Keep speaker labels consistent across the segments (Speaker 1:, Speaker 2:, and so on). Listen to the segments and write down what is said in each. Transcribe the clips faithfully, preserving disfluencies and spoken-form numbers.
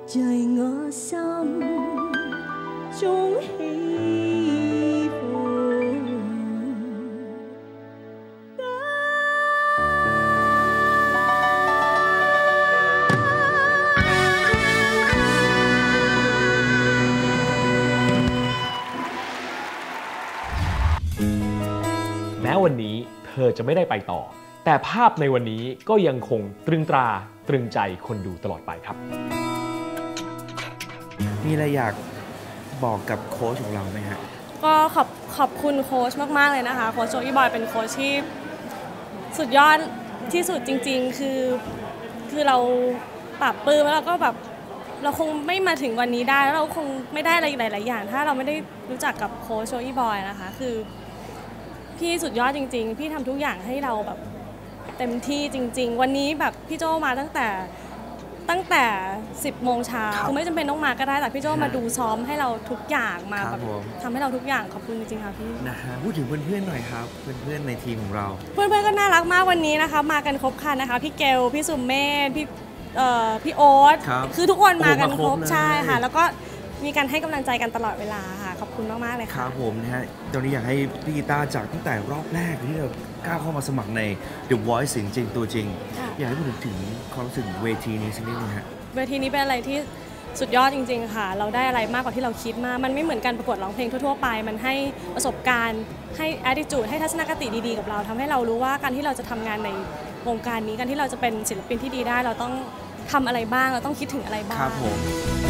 Speaker 1: 在我心中起伏。
Speaker 2: แม้วันนี้เธอจะไม่ได้ไปต่อแต่ภาพในวันนี้ก็ยังคงตรึงตราตรึงใจคนดูตลอดไปครับ
Speaker 3: มีอะไรอยากบอกกับโค้ชของเราไหมฮะ
Speaker 4: ก็ขอบขอบคุณโค้ชมากๆเลยนะคะโค้ชโจอี้บอยเป็นโค้ชที่สุดยอดที่สุดจริงๆคือคือเราปรับปลื้มแล้วเราก็แบบเราคงไม่มาถึงวันนี้ได้แล้วเราคงไม่ได้อะไรหลายๆอย่างถ้าเราไม่ได้รู้จักกับโค้ชโจอี้บอยนะคะคือพี่สุดยอดจริงๆพี่ทำทุกอย่างให้เราแบบเต็มที่จริงๆวันนี้แบบพี่โจมาตั้งแต่ตั้งแต่สิบโมงเช้าคือไม่จำเป็นต้องมาก็ได้แต่พี่โจมาดูซ้อมให้เราทุกอย่างมาแบบทำให้เราทุกอย่างขอบคุณจริงๆค่ะพี่
Speaker 3: นะฮะพูดถึงเพื่อนๆหน่อยครับเพื่อนๆในทีมของเรา
Speaker 4: เพื่อนๆก็น่ารักมากวันนี้นะคะมากันครบครันนะคะพี่เกลพี่สุมเมธพี่เอ่อพี่โอ๊ตคือทุกคนมากันครบใช่ค่ะแล้วก็มีการให้กำลังใจกันตลอดเวลาค่ะขอบคุณมากๆเลยค่ะ
Speaker 3: ครับผมนะฮะตอนนี้อยากให้พี่กีตาร์จากตั้งแต่รอบแรกที่เราก้าวเข้ามาสมัครใน The Voice เสียงจริงตัวจริงอยากให้พูดถึงความรู้สึกเวทีนี้สักนิดนึงฮะ
Speaker 4: เวทีนี้เป็นอะไรที่สุดยอดจริงๆค่ะเราได้อะไรมากกว่าที่เราคิดมามันไม่เหมือนการประกวดร้องเพลงทั่วๆไปมันให้ประสบการณ์ให้ attitude ให้ทัศนคติดีๆกับเราทำให้เรารู้ว่าการที่เราจะทำงานในวงการนี้การที่เราจะเป็นศิลปินที่ดีได้เราต้องทำอะไรบ้างเราต้องคิดถึงอะไรบ้าง
Speaker 3: ครับผม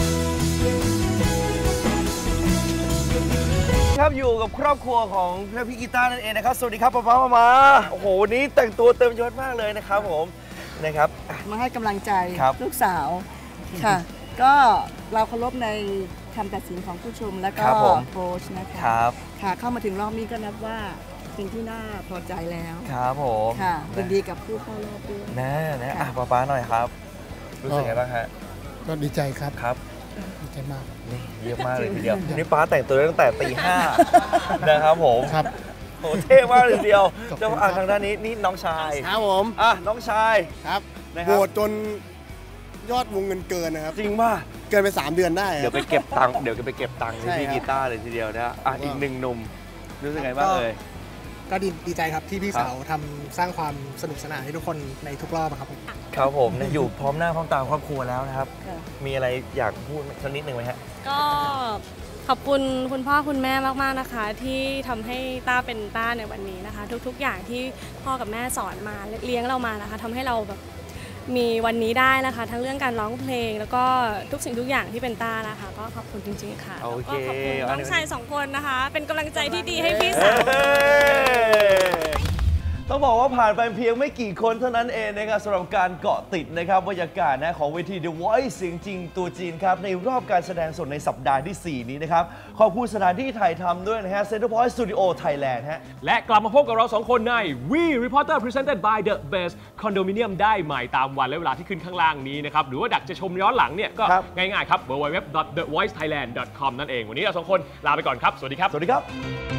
Speaker 5: ครับอยู่กับครอบครัวของพี่กีตาร์นั่นเองนะครับสวัสดีครับป๊าป๊ามามาโอ้โหวันนี้แต่งตัวเต็มยศมากเลยนะครับผมนะครับ
Speaker 6: มาให้กำลังใจลูกสาวค่ะก็เราเคารพในคำตัดสินของผู้ชมและก็โค้ชนะคะค่ะเข้ามาถึงรอบนี้ก็นับว่าเป็นที่น่าพอใจแล้ว
Speaker 5: ครับผม
Speaker 6: ค่ะเป็นดีกับผู้เข้ารอบด้วย
Speaker 5: นะนะอ่ะป๊าป๊าหน่อยครับรู้สึกไงบ้างฮะ
Speaker 7: ก็ดีใจครับ
Speaker 5: ครับ
Speaker 7: ดีใจมาก
Speaker 5: นี่เยอะมากเลยทีเดียวนี่ป้าแต่งตัวตั้งแต่ตีห้านะครับผม
Speaker 7: ครับ
Speaker 5: โหเท่มากเลยทีเดียวเจ้าอ่างทางด้านนี้นี่น้องชาย
Speaker 7: ครับผม
Speaker 5: อ่ะน้องชาย
Speaker 7: ครับโหวตจนยอดวงเงินเกินนะครับ
Speaker 5: จริงป่ะ
Speaker 7: เกินไปสามเดือนได้
Speaker 5: เดี๋ยวไปเก็บตังค์เดี๋ยวไปเก็บตังค์ที่กีตาร์เลยทีเดียวนะอ่ะอีกหนึ่งหนุ่มรู้สึกไงบ้างเลย
Speaker 7: ก็ดีใจครับที่พี่สาวทำสร้างความสนุกสนานให้ทุกคนในทุกรอบครับ
Speaker 5: ครับผมอยู่พร้อมหน้าพร้อมตาครอบครัวแล้วนะครับมีอะไรอยากพูดสักนิดหนึ่งไหมฮะ
Speaker 4: ก็ขอบคุณคุณพ่อคุณแม่มากๆนะคะที่ทำให้ต้าเป็นต้าในวันนี้นะคะทุกๆอย่างที่พ่อกับแม่สอนมาเลี้ยงเรามานะคะทำให้เราแบบมีวันนี้ได้นะคะทั้งเรื่องการร้องเพลงแล้วก็ทุกสิ่งทุกอย่างที่เป็นต้านะคะก็ขอบคุณจริงๆค่ะแล้วก็ขอบคุณน้องชายสองคนนะคะเป็นกำลังใจที่ดีให้พี่สาว
Speaker 5: ต้องบอกว่าผ่านไปเพียงไม่กี่คนเท่านั้นเองนะครับสำหรับการเกาะติดนะครับบรรยากาศนะของเวที The Voice เสียงจริงตัวจริงครับในรอบการแสดงสดในสัปดาห์ที่สี่นี้นะครับขอบคุณสถานที่ถ่ายทำด้วยนะฮะ Center Point Studio Thailand ฮะ
Speaker 2: และกลับมาพบกับเราสองคนใน We Reporter Presented by The Best Condominium ได้ใหม่ตามวันและเวลาที่ขึ้นข้างล่างนี้นะครับหรือว่าดักจะชมย้อนหลังเนี่ยก็ง่ายๆครับ ดับเบิลยู ดับเบิลยู ดับเบิลยู ดอท เดอะ วอยซ์ ไทยแลนด์ ดอท คอม นั่นเองวันนี้เราสองคนลาไปก่อนครับสวัสดีครับ
Speaker 5: สวัสดีครับ